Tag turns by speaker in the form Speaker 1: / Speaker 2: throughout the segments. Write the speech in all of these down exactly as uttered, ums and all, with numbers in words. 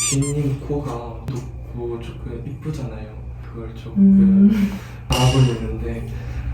Speaker 1: 빈님 코가 높고 조금 이쁘잖아요. 그걸 조금
Speaker 2: 음.
Speaker 1: 알아보고 있는데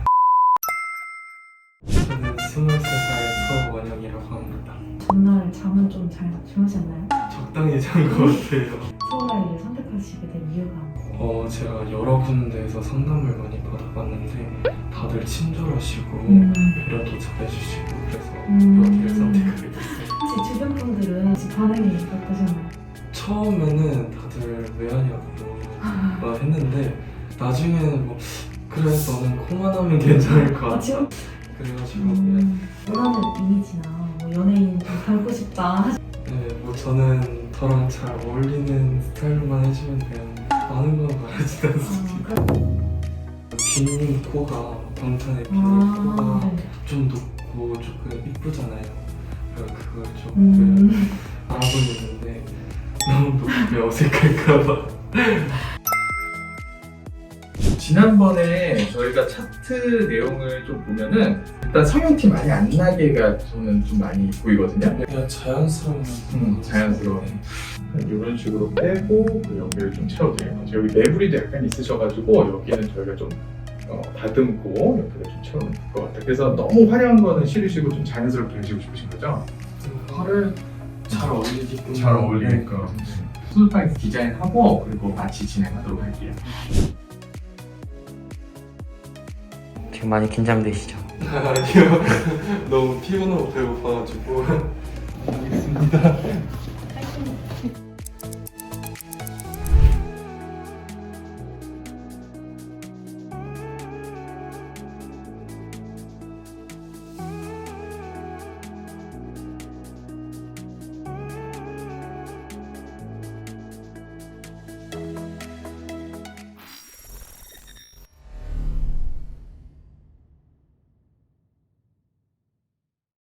Speaker 1: 저는 스물세 살 서원영이라고 합니다.
Speaker 2: 전날 잠은 좀 잘 주무셨나요?
Speaker 1: 적당히 잔 것 같아요.
Speaker 2: 서울아이를 선택하시게 된 이유가?
Speaker 1: 어, 제가 여러 군데에서 상담을 많이 받아봤는데 다들 친절하시고
Speaker 2: 음.
Speaker 1: 배려도 잘해주시고 그래서
Speaker 2: 음.
Speaker 1: 여기를 선택하게 됐어요.
Speaker 2: 혹시 주변 분들은 혹시 반응이 어떠셨나요?
Speaker 1: 처음에는 다들 왜 하냐고 막 했는데 나중에는 뭐 그래 너는 코만 하면 괜찮을 것
Speaker 2: 아,
Speaker 1: 같아.
Speaker 2: 지금?
Speaker 1: 그래가지고 그냥
Speaker 2: 음. 원하는 이미지나 뭐 연예인 좀 닮고 싶다.
Speaker 1: 네, 뭐 저는 저랑 잘 어울리는 스타일로만 해주면 돼요. 많은 건 바라지 않습니다.
Speaker 2: 아,
Speaker 1: 빈님 코가 방탄의 빈님
Speaker 2: 아,
Speaker 1: 코가
Speaker 2: 네.
Speaker 1: 좀 높고 조금 이쁘잖아요. 그래서 그걸 조금
Speaker 2: 음.
Speaker 1: 알아보고 있는데 너무 높게 어색할까봐.
Speaker 3: 지난번에 저희가 차트 내용을 좀 보면은 일단 성형티 많이 안 나게가 저는 좀 많이 보이거든요.
Speaker 1: 그냥 자연스러운
Speaker 3: 음, 자연스러운. 이런 식으로 빼고 그 여기를 좀 채워드려요. 여기 매부리도 약간 있으셔가지고 여기는 저희가 좀 어, 다듬고 여기를 좀 채우는 것 같아요. 그래서 너무 화려한 거는 싫으시고 좀 자연스럽게 하시고 싶으신 거죠?
Speaker 1: 화를 잘 어울리기 때문에
Speaker 3: 잘 어울리니까. 수술방 디자인하고 그리고 마치 진행하도록 할게요.
Speaker 4: 지금 많이 긴장되시죠?
Speaker 1: 아니요. 너무 피곤하고 배고파가지고.
Speaker 3: 알겠습니다.